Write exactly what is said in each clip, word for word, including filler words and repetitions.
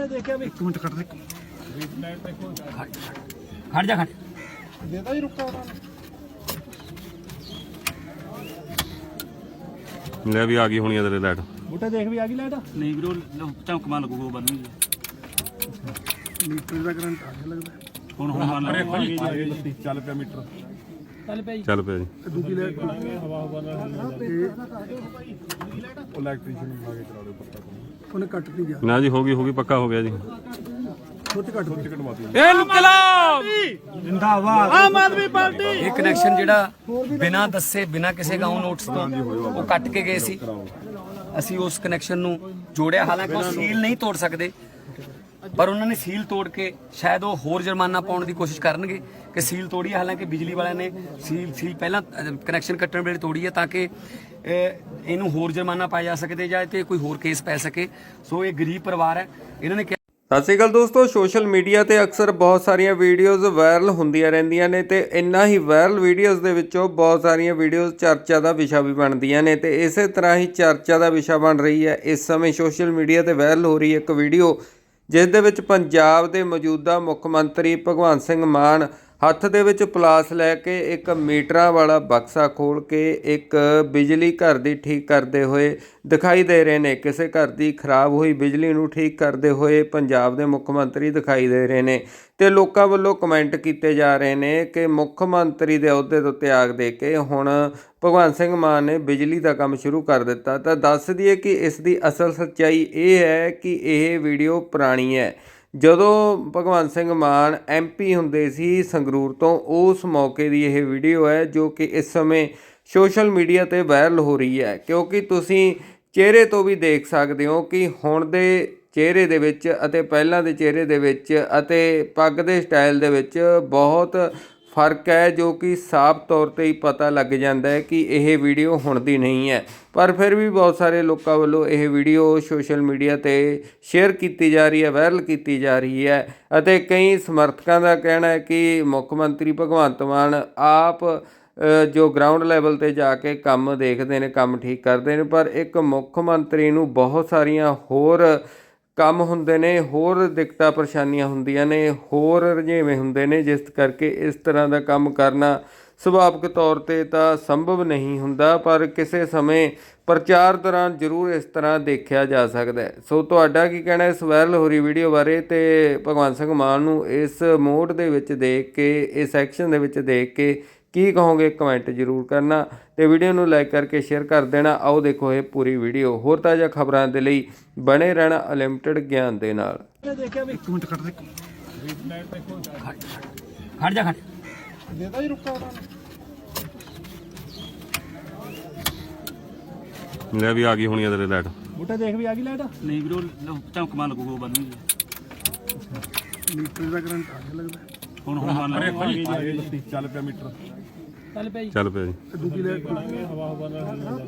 देखा भी एक मिनट कट दे खड़ जा खड़ देता ही रुका ले भी आ गई होनी तेरे लाइट बूटा देख भी आ गई लाइट नहीं वीरो चमकमा लगूगा बन मीटर का करंट आ गया लगता ਹੁਣ ਹੁਣ ਮੰਨ अरे ਲਓ भाई ਚੱਲ ਪਿਆ ਮੀਟਰ ਚੱਲ ਪਈ चल पे जी ਦੂਜੀ ਲਾਈਟ ਹਵਾ ਹਵਾ ਨਾਲ ਉਹ ਇਲੈਕਟ੍ਰੀਸ਼ੀਅਨ ਨੂੰ ਲਾ ਕੇ ਚਲਾ ਦੇ ਪੱਕਾ ਉਹਨੇ ਕੱਟ ਨਹੀਂ ਗਿਆ ना जी होगी होगी पक्का हो गया जी ਛੋਟੀ ਕੱਟ ਛੋਟੀ ਕਟਵਾਤੀ ਇਹ ਇਨਕਲਾਬ ਜਿੰਦਾਬਾਦ ਆਮ ਆਦਮੀ ਪਾਰਟੀ ਇਹ ਕਨੈਕਸ਼ਨ ਜਿਹੜਾ ਬਿਨਾਂ ਦੱਸੇ ਬਿਨਾਂ ਕਿਸੇ ਗਾਉਂ ਨੋਟਿਸ ਤੋਂ ਉਹ ਕੱਟ ਕੇ ਗਏ ਸੀ। ਅਸੀਂ ਉਸ ਕਨੈਕਸ਼ਨ ਨੂੰ ਜੋੜਿਆ, ਹਾਲਾਂਕਿ ਉਹ ਸੀਲ ਨਹੀਂ ਤੋੜ ਸਕਦੇ, ਪਰ ਉਹਨਾਂ ਨੇ ਸੀਲ ਤੋੜ ਕੇ ਸ਼ਾਇਦ ਉਹ ਹੋਰ ਜੁਰਮਾਨਾ ਪਾਉਣ ਦੀ ਕੋਸ਼ਿਸ਼ ਕਰਨਗੇ ਕਿ ਸੀਲ ਤੋੜੀ ਹੈ। ਹਾਲਾਂਕਿ ਬਿਜਲੀ ਵਾਲਿਆਂ ਨੇ ਸੀਲ ਸੀਲ ਪਹਿਲਾਂ ਕਨੈਕਸ਼ਨ ਕੱਟਣ ਵੇਲੇ ਤੋੜੀ ਹੈ ਤਾਂ ਕਿ ਇਹਨੂੰ ਹੋਰ ਜੁਰਮਾਨਾ ਪਾਇਆ ਜਾ ਸਕਦੇ ਜਾਂ ਤੇ ਕੋਈ ਹੋਰ ਕੇਸ ਪੈ ਸਕੇ। ਸੋ ਇਹ ਗਰੀਬ ਪਰਿਵਾਰ ਹੈ, ਇਹਨਾਂ ਨੇ ਸਤਿ ਸ਼੍ਰੀ ਅਕਾਲ ਦੋਸਤੋ। ਸੋਸ਼ਲ ਮੀਡੀਆ ਤੇ ਅਕਸਰ ਬਹੁਤ ਸਾਰੀਆਂ ਵੀਡੀਓਜ਼ ਵਾਇਰਲ ਹੁੰਦੀਆਂ ਰਹਿੰਦੀਆਂ ਨੇ ਤੇ ਇੰਨਾ ਹੀ ਵਾਇਰਲ ਵੀਡੀਓਜ਼ ਦੇ ਵਿੱਚੋਂ ਬਹੁਤ ਸਾਰੀਆਂ ਵੀਡੀਓਜ਼ ਚਰਚਾ ਦਾ ਵਿਸ਼ਾ ਵੀ ਬਣਦੀਆਂ ਨੇ ਤੇ ਇਸੇ ਤਰ੍ਹਾਂ ਹੀ ਚਰਚਾ ਦਾ ਵਿਸ਼ਾ ਬਣ ਰਹੀ ਹੈ ਇਸ ਸਮੇਂ ਸੋਸ਼ਲ ਮੀਡੀਆ ਤੇ ਵਾਇਰਲ ਹੋ ਰਹੀ ਇੱਕ ਵੀਡੀਓ, ਜਿਸ ਦੇ ਵਿੱਚ ਪੰਜਾਬ ਦੇ ਮੌਜੂਦਾ ਮੁੱਖ ਮੰਤਰੀ ਭਗਵੰਤ ਸਿੰਘ ਮਾਨ ਹੱਥ ਦੇ ਵਿੱਚ ਪਲਾਸ ਲੈ ਕੇ ਇੱਕ ਮੀਟਰਾਂ ਵਾਲਾ ਬਕਸਾ ਖੋਲ੍ਹ ਕੇ ਇੱਕ ਬਿਜਲੀ ਘਰ ਦੀ ਠੀਕ ਕਰਦੇ ਹੋਏ ਦਿਖਾਈ ਦੇ ਰਹੇ ਨੇ। ਕਿਸੇ ਘਰ ਦੀ ਖਰਾਬ ਹੋਈ ਬਿਜਲੀ ਨੂੰ ਠੀਕ ਕਰਦੇ ਹੋਏ ਪੰਜਾਬ ਦੇ ਮੁੱਖ ਮੰਤਰੀ ਦਿਖਾਈ ਦੇ ਰਹੇ ਨੇ ਤੇ ਲੋਕਾਂ ਵੱਲੋਂ ਕਮੈਂਟ ਕੀਤੇ ਜਾ ਰਹੇ ਨੇ ਕਿ ਮੁੱਖ ਮੰਤਰੀ ਦੇ ਅਹੁਦੇ ਤੋਂ ਤਿਆਗ ਦੇ ਕੇ ਹੁਣ ਭਗਵੰਤ ਸਿੰਘ ਮਾਨ ਨੇ ਬਿਜਲੀ ਦਾ ਕੰਮ ਸ਼ੁਰੂ ਕਰ ਦਿੱਤਾ। ਤਾਂ ਦੱਸ ਦਈਏ ਕਿ ਇਸ ਦੀ ਅਸਲ ਸੱਚਾਈ ਇਹ ਹੈ ਕਿ ਇਹ ਵੀਡੀਓ ਪੁਰਾਣੀ ਹੈ। ਜਦੋਂ ਭਗਵੰਤ ਸਿੰਘ ਮਾਨ ਐਮ ਪੀ ਹੁੰਦੇ ਸੀ ਸੰਗਰੂਰ ਤੋਂ, ਉਸ ਮੌਕੇ ਦੀ ਇਹ ਵੀਡੀਓ ਹੈ ਜੋ ਕਿ ਇਸ ਸਮੇਂ ਸੋਸ਼ਲ ਮੀਡੀਆ 'ਤੇ ਵਾਇਰਲ ਹੋ ਰਹੀ ਹੈ। ਕਿਉਂਕਿ ਤੁਸੀਂ ਚਿਹਰੇ ਤੋਂ ਵੀ ਦੇਖ ਸਕਦੇ ਹੋ ਕਿ ਹੁਣ ਦੇ ਚਿਹਰੇ ਦੇ ਵਿੱਚ ਅਤੇ ਪਹਿਲਾਂ ਦੇ ਚਿਹਰੇ ਦੇ ਵਿੱਚ ਅਤੇ ਪੱਗ ਦੇ ਸਟਾਈਲ ਦੇ ਵਿੱਚ ਬਹੁਤ ਫਰਕ ਹੈ, ਜੋ ਕਿ ਸਾਫ਼ ਤੌਰ 'ਤੇ ਹੀ ਪਤਾ ਲੱਗ ਜਾਂਦਾ ਹੈ ਕਿ ਇਹ ਵੀਡੀਓ ਹੁਣ ਦੀ ਨਹੀਂ ਹੈ। ਪਰ ਫਿਰ ਵੀ ਬਹੁਤ ਸਾਰੇ ਲੋਕਾਂ ਵੱਲੋਂ ਇਹ ਵੀਡੀਓ ਸੋਸ਼ਲ ਮੀਡੀਆ 'ਤੇ ਸ਼ੇਅਰ ਕੀਤੀ ਜਾ ਰਹੀ ਹੈ, ਵਾਇਰਲ ਕੀਤੀ ਜਾ ਰਹੀ ਹੈ ਅਤੇ ਕਈ ਸਮਰਥਕਾਂ ਦਾ ਕਹਿਣਾ ਹੈ ਕਿ ਮੁੱਖ ਮੰਤਰੀ ਭਗਵੰਤ ਮਾਨ ਆਪ ਜੋ ਗਰਾਊਂਡ ਲੈਵਲ 'ਤੇ ਜਾ ਕੇ ਕੰਮ ਦੇਖਦੇ ਨੇ, ਕੰਮ ਠੀਕ ਕਰਦੇ ਨੇ, ਪਰ ਇੱਕ ਮੁੱਖ ਮੰਤਰੀ ਨੂੰ ਬਹੁਤ ਸਾਰੀਆਂ ਹੋਰ ਕੰਮ ਹੁੰਦੇ ਨੇ, ਹੋਰ ਦਿੱਕਤਾਂ ਪਰੇਸ਼ਾਨੀਆਂ ਹੁੰਦੀਆਂ ਨੇ, ਹੋਰ ਰੁਝੇਵੇਂ ਹੁੰਦੇ ਨੇ, ਜਿਸ ਕਰਕੇ ਇਸ ਤਰ੍ਹਾਂ ਦਾ ਕੰਮ ਕਰਨਾ ਸੁਭਾਵਿਕ ਤੌਰ 'ਤੇ ਤਾਂ ਸੰਭਵ ਨਹੀਂ ਹੁੰਦਾ, ਪਰ ਕਿਸੇ ਸਮੇਂ ਪ੍ਰਚਾਰ ਦੌਰਾਨ ਜ਼ਰੂਰ ਇਸ ਤਰ੍ਹਾਂ ਦੇਖਿਆ ਜਾ ਸਕਦਾ ਹੈ। ਸੋ ਤੁਹਾਡਾ ਕੀ ਕਹਿਣਾ ਇਸ ਵਾਇਰਲ ਹੋ ਰਹੀ ਵੀਡੀਓ ਬਾਰੇ ਤੇ ਭਗਵੰਤ ਸਿੰਘ ਮਾਨ ਨੂੰ ਇਸ ਮੋਡ ਦੇ ਵਿੱਚ ਦੇਖ ਕੇ, ਇਸ ਐਕਸ਼ਨ ਦੇ ਵਿੱਚ ਦੇਖ ਕੇ ਕੀ ਕਹੋਗੇ? ਕਮੈਂਟ ਜ਼ਰੂਰ ਕਰਨਾ ਤੇ ਵੀਡੀਓ ਨੂੰ ਲਾਈਕ ਕਰਕੇ ਸ਼ੇਅਰ ਕਰ ਦੇਣਾ। ਆਓ ਦੇਖੋ ਇਹ ਪੂਰੀ ਵੀਡੀਓ। ਹੋਰ ਤਾਜ਼ਾ ਖਬਰਾਂ ਦੇ ਲਈ ਬਣੇ ਰਹਿਣਾ ਅਨਲਿਮਟਿਡ ਗਿਆਨ ਦੇ ਨਾਲ। देखा भी ਇੱਕ ਮਿੰਟ ਕੱਟ ਦੇ खड़ जा खड़ ਦੇਤਾ ਹੀ ਰੁਕਾ ले भी आ गई होनी तेरे लाइट बूटा देख भी आ गई लाइट नहीं वीरो चमकमा लगूगा बन ਮੀਟਰ ਦਾ ਕਰੰਟ ਆ ਗਿਆ ਲੱਗਦਾ ਹੁਣ ਹੁਣ ਮੰਨ ਅਰੇ ਲਓ ਭਾਈ ਚੱਲ ਪਿਆ ਮੀਟਰ ਚੱਲ ਪਈ चल पे जी ਦੂਜੀ ਲਾਈਟ ਹਵਾ ਹਵਾ ਨਾਲ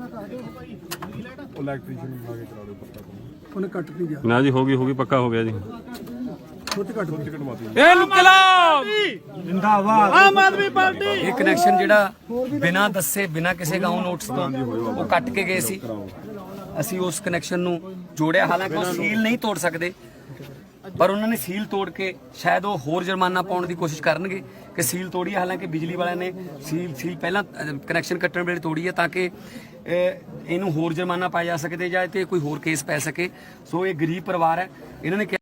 ਉਹ ਇਲੈਕਟ੍ਰੀਸ਼ੀਅਨ ਨੂੰ ਲਾ ਕੇ ਚਲਾ ਦੇ ਪੱਕਾ ਉਹਨੇ ਕੱਟ ਨਹੀਂ ਗਿਆ ना जी होगी होगी पक्का हो गया जी ਛੋਟੀ ਕੱਟ ਛੋਟੀ ਕਟਵਾਤੀ ਇਹ ਇਨਕਲਾਬ ਜਿੰਦਾਬਾਦ ਆਮ ਆਦਮੀ ਪਾਰਟੀ ਇਹ ਕਨੈਕਸ਼ਨ ਜਿਹੜਾ ਬਿਨਾਂ ਦੱਸੇ ਬਿਨਾਂ ਕਿਸੇ ਗਾਉਂ ਨੋਟਿਸ ਤੋਂ ਉਹ ਕੱਟ ਕੇ ਗਏ ਸੀ। ਅਸੀਂ ਉਸ ਕਨੈਕਸ਼ਨ ਨੂੰ ਜੋੜਿਆ, ਹਾਲਾਂਕਿ ਉਹ ਸੀਲ ਨਹੀਂ ਤੋੜ ਸਕਦੇ, ਪਰ ਉਹਨਾਂ ਨੇ ਸੀਲ ਤੋੜ ਕੇ ਸ਼ਾਇਦ ਉਹ ਹੋਰ ਜੁਰਮਾਨਾ ਪਾਉਣ ਦੀ ਕੋਸ਼ਿਸ਼ ਕਰਨਗੇ ਕਿ ਸੀਲ ਤੋੜੀ ਹੈ। ਹਾਲਾਂਕਿ ਬਿਜਲੀ ਵਾਲਿਆਂ ਨੇ ਸੀਲ ਸੀਲ ਪਹਿਲਾਂ ਕਨੈਕਸ਼ਨ ਕੱਟਣ ਵੇਲੇ ਤੋੜੀ ਹੈ ਤਾਂ ਕਿ ਇਹਨੂੰ ਹੋਰ ਜੁਰਮਾਨਾ ਪਾਇਆ ਜਾ ਸਕਦੇ ਜਾਂ ਤੇ ਕੋਈ ਹੋਰ ਕੇਸ ਪੈ ਸਕੇ। ਸੋ ਇਹ ਗਰੀਬ ਪਰਿਵਾਰ ਹੈ, ਇਹਨਾਂ ਨੇ